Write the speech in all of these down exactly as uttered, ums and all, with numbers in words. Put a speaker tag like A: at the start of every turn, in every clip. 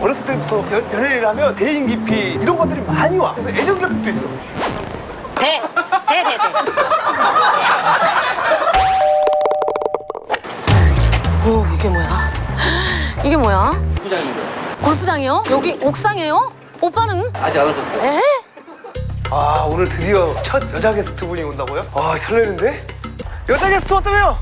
A: 어렸을 때부터 연, 연예인을 하면 대인 기피 이런 것들이 많이 와. 그래서 애정 결핍도 있어.
B: 대! 대, 대, 대. 오, 이게 뭐야? 이게 뭐야?
C: 골프장입니다.
B: 골프장이요? 여기 옥상이에요? 오빠는?
C: 아직 안 오셨어요?
B: 에?
A: 아, 오늘 드디어 첫 여자 게스트 분이 온다고요? 아, 설레는데? 여자 게스트 왔다며요?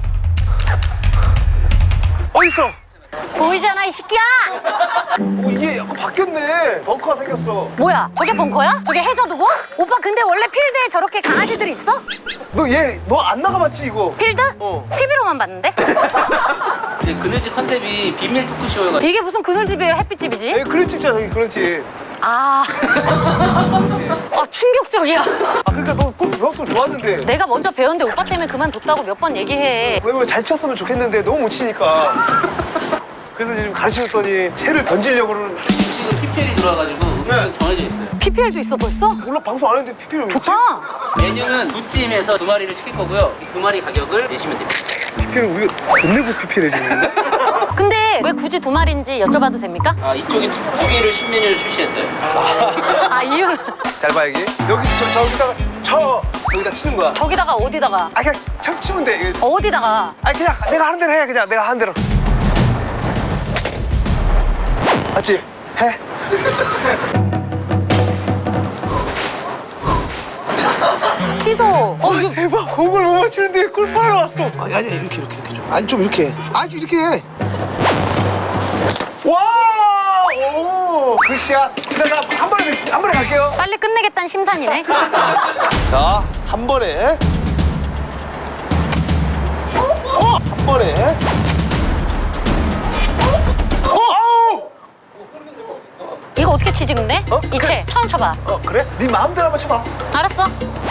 A: 어딨어?
B: 보이잖아, 이 새끼야!
A: 어, 이게 약간 바뀌었네. 벙커가 생겼어.
B: 뭐야, 저게 벙커야? 저게 해저드고? 오빠 근데 원래 필드에 저렇게 강아지들이 있어?
A: 너 얘, 너 안 나가봤지, 이거?
B: 필드?
A: 어.
B: 티비로만 봤는데?
C: 이제 그늘집 컨셉이 비밀 토크쇼여가지고
B: 이게 무슨 그늘집이에요, 햇빛집이지?
A: 여기 그런 집잖아, 여기 그런 집.
B: 아... 아, 충격적이야.
A: 아, 그러니까 너 골프 배웠으면 좋았는데.
B: 내가 먼저 배웠는데 오빠 때문에 그만뒀다고 몇 번 얘기해.
A: 왜냐면 잘 쳤으면 좋겠는데 너무 못 치니까. 그래서 지금 가르쳐줬더니 채를 던지려고 그러는.
C: 음식은 피피엘이 들어와가지고 음식은 정해져 있어요.
B: 피피엘도 있어 벌써?
A: 몰라, 방송 안 했는데 피피를 왜
B: 좋다.
C: 메뉴는 두 찜에서 두 마리를 시킬 거고요. 이 두 마리 가격을 내시면 됩니다.
A: 피피는 우리가 돈 내고 피피를 해주는데?
B: 근데 왜 굳이 두 마리인지 여쭤봐도 됩니까?
C: 아 이쪽이 두, 두 개를 신메뉴를 출시했어요.
B: 아, 이유는?
A: 잘 봐, 여기. 여기, 저, 저기다가, 저, 여기다 치는 거야.
B: 저기다가 어디다가?
A: 아, 그냥 참 치면 돼. 이게.
B: 어디다가?
A: 아, 그냥 내가 하는 대로 해, 그냥. 내가 하는 대로. 맞지? 해.
B: 취소. 어, 이거
A: 대박, 공을 못 맞추는데 골프하러 왔어. 아니, 아니, 이렇게, 이렇게, 이렇게 좀. 아니, 좀 이렇게 해. 아니, 좀 이렇게 해. 와! 오! 굿샷. 일단 나한 번에, 한 번에 갈게요.
B: 빨리 끝내겠다는 심산이네.
A: 자, 한 번에. 어? 한 번에. 어?
B: 이거 어떻게 치지 근데?
A: 어?
B: 이채 처음 쳐봐.
A: 어, 그래? 네 마음대로 한번 쳐봐.
B: 알았어.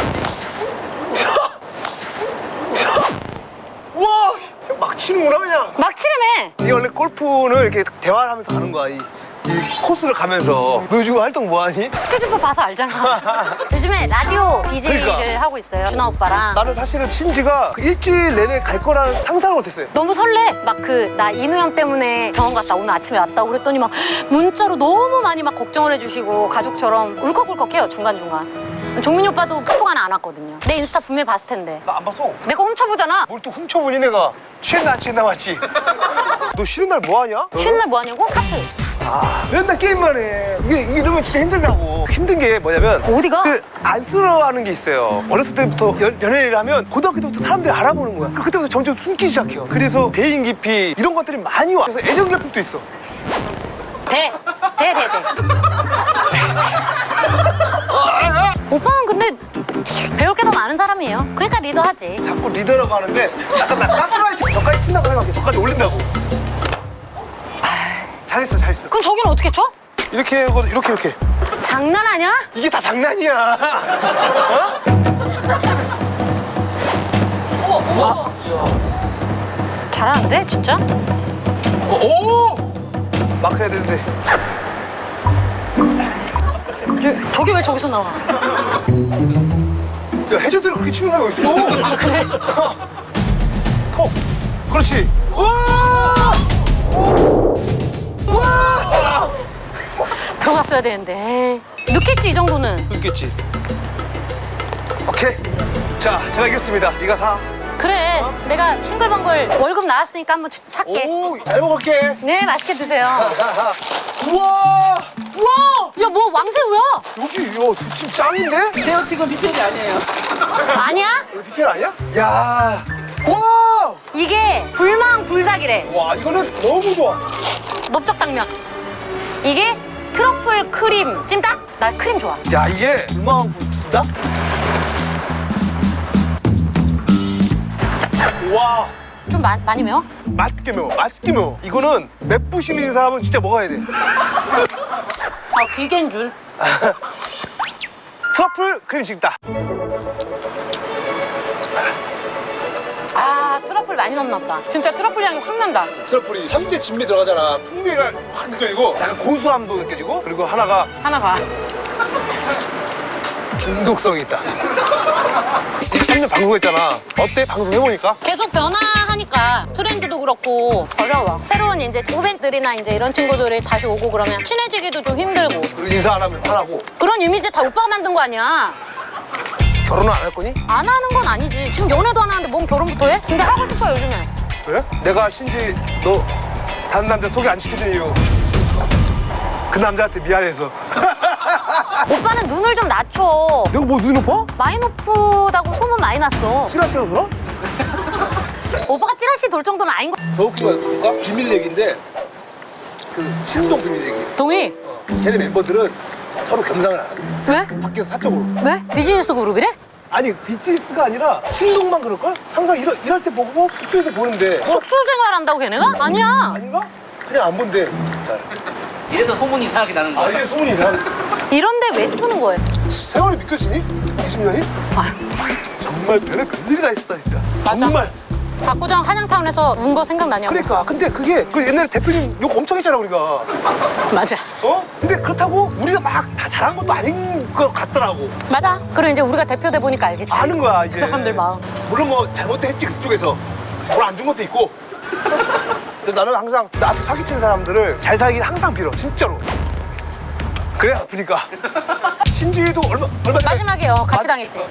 A: 와! 막 치는구나, 그냥.
B: 막 치려매.
A: 이게 원래 골프는 이렇게 대화를 하면서 가는 거야. 이, 이 코스를 가면서. 너 요즘 활동 뭐 하니?
B: 스케줄표 봐서 알잖아. 요즘에 라디오 디제이를
A: 그러니까.
B: 하고 있어요. 준하 오빠랑.
A: 나는 사실은 신지가 일주일 내내 갈 거라는 상상을 못했어요.
B: 너무 설레. 막 그 나 인우 형 때문에 병원 갔다 오늘 아침에 왔다고 그랬더니 막 문자로 너무 많이 막 걱정을 해주시고 가족처럼 울컥울컥해요 중간중간. 종민이 오빠도 카톡 하나 안 왔거든요. 내 인스타 분명히 봤을 텐데.
A: 나 안 봤어.
B: 내가 훔쳐보잖아.
A: 뭘 또 훔쳐보니 내가. 취했나 안 취했나 맞지? 너 쉬는 날 뭐 하냐?
B: 쉬는 날 뭐 하냐고? 카트.
A: 아, 맨날 게임만 해. 이게 이러면 진짜 힘들다고. 힘든 게 뭐냐면
B: 어디가?
A: 그 안쓰러워하는 게 있어요. 어렸을 때부터 연, 연예인을 하면 고등학교 때부터 사람들이 알아보는 거야. 그때부터 점점 숨기 시작해요. 그래서 대인 기피 이런 것들이 많이 와. 그래서 애정 결핍도 있어.
B: 대. 대, 대, 대. 오빠는 근데 배울 게 더 많은 사람이에요. 그러니까 리더하지.
A: 자꾸 리더라고 하는데 약간 나 가스라이팅 저까지 친다고 생각해. 저까지 올린다고. 잘했어, 잘했어.
B: 그럼 저기는 어떻게 쳐?
A: 이렇게 하고 이렇게 이렇게.
B: 장난하냐?
A: 이게 다 장난이야. 어?
B: 잘하는데 진짜?
A: 어, 오! 막 해야 되는데.
B: 저, 저기 왜 저기서 나와?
A: 야, 해저대로 그렇게 치는 사람이 어딨어?
B: 아 그래?
A: 톡! 그렇지! 와! 와!
B: 들어갔어야 되는데. 에이, 늦겠지 이 정도는.
A: 있겠지. 오케이. 자, 제가 이겼습니다. 네가 사.
B: 그래. 내가 싱글벙글 월급 나왔으니까 한번 주- 살게.
A: 오, 잘 먹을게.
B: 네 맛있게 드세요.
A: 우와!
B: 우와! 야 뭐 왕새우야?
A: 여기 이거 두찜 짱인데?
C: 새우튀김 피피엘이 아니에요.
B: 아니야?
A: 여기 피켈 아니야? 야! 와!
B: 이게 불망 불닭이래.
A: 와, 이거는 너무 좋아.
B: 넓적당면. 이게 트러플 크림 찜닭? 나 크림 좋아.
A: 야, 이게 불망 불닭? 와!
B: 좀 마, 많이 매워?
A: 맛있게 매워. 맛있게 매워. 이거는 맵부심 있는 사람은 진짜 먹어야 돼.
B: 아 기계인 줄.
A: 트러플 크림 찜닭.
B: 아 트러플 많이 넣나 보다. 진짜 트러플 향이 확 난다.
A: 트러플이 삼 대 진미 들어가잖아. 풍미가 확 느껴지고 약간 고소함도 느껴지고 그리고 하나가
B: 하나 봐.
A: 중독성이 있다. 이십삼 년 방송했잖아. 어때? 방송해보니까?
B: 계속 변화하니까 트렌드도 그렇고 어려워. 새로운 이제 후배들이나 이제 이런 친구들이 다시 오고 그러면 친해지기도 좀 힘들고.
A: 그리고 인사 안 하면 화나고.
B: 그런 이미지 다 오빠가 만든 거 아니야.
A: 결혼은 안 할 거니?
B: 안 하는 건 아니지. 지금 연애도 안 하는데 뭔 결혼부터 해? 근데 하고 싶어 요즘에.
A: 그래? 내가 신지 너 다른 남자 소개 안 시켜준 이유 그 남자한테 미안해서.
B: 오빠는 눈을 좀 낮춰.
A: 내가 뭐 눈이 높아?
B: 많이 높다고 소문 많이 났어.
A: 찌라시가 그럼?
B: 오빠가 찌라시 돌 정도는 아닌 거.
A: 더 웃기고 볼까? 비밀 얘기인데 그 신동 비밀 얘기.
B: 동희.
A: 어, 걔네 멤버들은 서로 겸상을 안 해.
B: 왜?
A: 밖에서 사적으로.
B: 왜? 비즈니스 그룹이래?
A: 아니 비즈니스가 아니라 신동만 그럴걸? 항상 이럴, 이럴 때 보고 숙소에서 보는데 어?
B: 숙소 생활한다고 걔네가? 아니야.
A: 아닌가? 그냥 안 본대. 잘.
C: 이래서 소문이 이상하게 나는
A: 아
C: 거야.
A: 이게 소문이 이상.
B: 이런데 왜 쓰는 거예요?
A: 세월이 믿겨지니? 이십 년이?
B: 아,
A: 정말 별의 별일이 다 있었다 진짜.
B: 맞아.
A: 정말.
B: 박구정 한양타운에서 운 거 생각나냐고.
A: 그러니까 근데 그게 그 옛날에 대표님 욕 엄청 했잖아 우리가.
B: 맞아.
A: 어? 근데 그렇다고 우리가 막 다 잘한 것도 아닌 것 같더라고.
B: 맞아. 그리고 이제 우리가 대표돼 보니까 알겠지.
A: 아는 거야
B: 그
A: 이제.
B: 사람들 마음.
A: 물론 뭐 잘못도 했지 그쪽에서. 돈 안 준 것도 있고. 그래서 나는 항상 나한테 사기치는 사람들을 잘 살길 항상 빌어 진짜로. 그래 아프니까. 신지도 얼마 얼마 전에
B: 마지막이요. 같이
A: 마-
B: 당했지.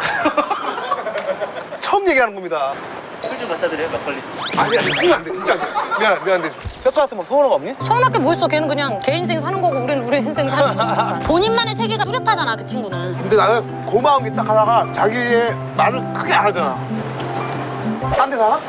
A: 처음 얘기하는 겁니다.
C: 술 좀 갖다 드려요, 막걸리.
A: 아니 아니 술이 안 돼 진짜. 미안 미안한데 뼈 같은 뭐 서운한 거 없니?
B: 서운할 게 뭐 있어. 걔는 그냥 걔 인생 사는 거고 우리는 우리 인생 사는 거고. 본인만의 세계가 뚜렷하잖아 그 친구는.
A: 근데 나는 고마운 게 딱 하나가 자기의 말을 크게 안 하잖아. 딴 데 살아?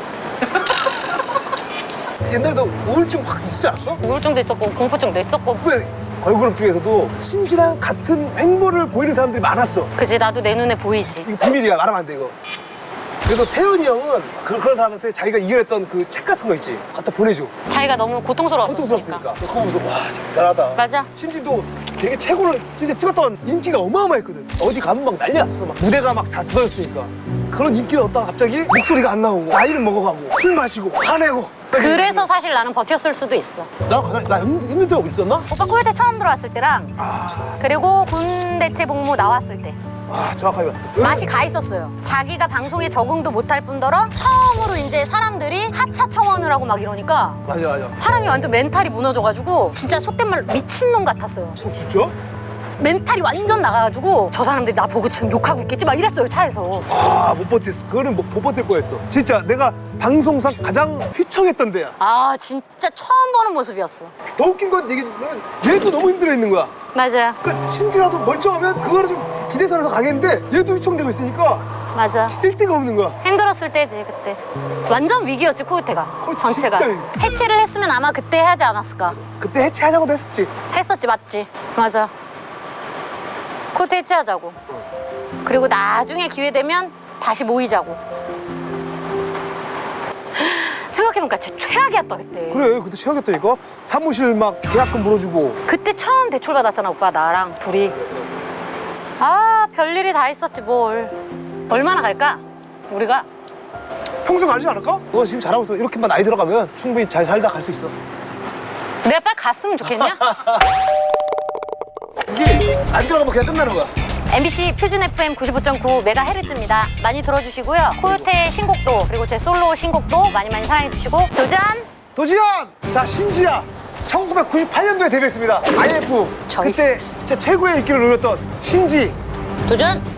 A: 옛날에 너 우울증 확 있지 않았어?
B: 우울증도 있었고 공포증도 있었고.
A: 후배 걸그룹 중에서도 신지랑 같은 행보를 보이는 사람들이 많았어.
B: 그지 나도 내 눈에 보이지.
A: 이거 비밀이야. 말하면 안 돼 이거. 그래서 태연이 형은 그, 그런 사람한테 자기가 이겨냈던 그 책 같은 거 있지. 갖다 보내줘.
B: 자기가 너무 고통스러웠으니까.
A: 고통스럽으니까. 그거 보면서 와 진짜 대단하다.
B: 맞아.
A: 신지도 되게 최고를 진짜 찍었던 인기가 어마어마했거든. 어디 가면 막 난리 났었어. 막 무대가 막 다 들어졌으니까. 그런 인기를 얻다가 갑자기 목소리가 안 나오고 나이를 먹어가고 술 마시고 화내고.
B: 그래서 사실 나는 버텼을 수도 있어.
A: 나 가장 나 힘- 힘든 적 있었나?
B: 오빠 코요태 처음 들어왔을 때랑
A: 아,
B: 그리고 군대체 복무 나왔을 때
A: 아 정확하게 봤어.
B: 맛이 가 있었어요. 자기가 방송에 적응도 못할 뿐더러 처음으로 이제 사람들이 하차 청원을 하고 막 이러니까
A: 맞아 맞아.
B: 사람이 완전 멘탈이 무너져가지고 진짜 속된 말로 미친놈 같았어요.
A: 어, 진짜?
B: 멘탈이 완전 나가가지고 저 사람들이 나 보고 지금 욕하고 있겠지 막 이랬어요 차에서.
A: 아, 못 버텼어. 그거는 못, 못 버틸 거였어. 진짜 내가 방송상 가장 휘청했던 데야.
B: 아 진짜 처음 보는 모습이었어.
A: 더 웃긴 건 이게 얘도 너무 힘들어 있는 거야.
B: 맞아요.
A: 그러니까 신지라도 멀쩡하면 그거를 좀 기대선에서 가겠는데 얘도 휘청되고 있으니까
B: 맞아.
A: 뛸 데가 없는 거야.
B: 힘들었을 때지 그때. 완전 위기였지 코요태가
A: 그렇지,
B: 전체가.
A: 진짜 위기.
B: 해체를 했으면 아마 그때 하지 않았을까.
A: 그때 해체하자고도 했었지.
B: 했었지 맞지. 맞아. 코요태 해체하자고. 그리고 나중에 기회 되면 다시 모이자고. 생각해보니까 진짜 최악이었다 그때.
A: 그래, 그때 최악이었다니까. 사무실 막 계약금 물어주고.
B: 그때 처음 대출 받았잖아 오빠 나랑 둘이. 아 별일이 다 있었지 뭘. 얼마나 갈까 우리가.
A: 평생 가지 않을까? 너 지금 잘하고 있어. 이렇게만 나이 들어가면 충분히 잘 살다 갈 수 있어.
B: 내가 빨리 갔으면 좋겠냐?
A: 이게 안 들어가면 그냥 끝나는 거야.
B: 엠비씨 표준 에프엠 구십오 점 구 메가헤르츠입니다. 많이 들어주시고요. 코요태 신곡도 그리고 제 솔로 신곡도 많이 많이 사랑해주시고 도전!
A: 도지현! 자, 신지야. 천구백구십팔 년도에 데뷔했습니다. 아이에프.
B: 저기
A: 그때 진짜 최고의 인기를 누렸던 신지.
B: 도전!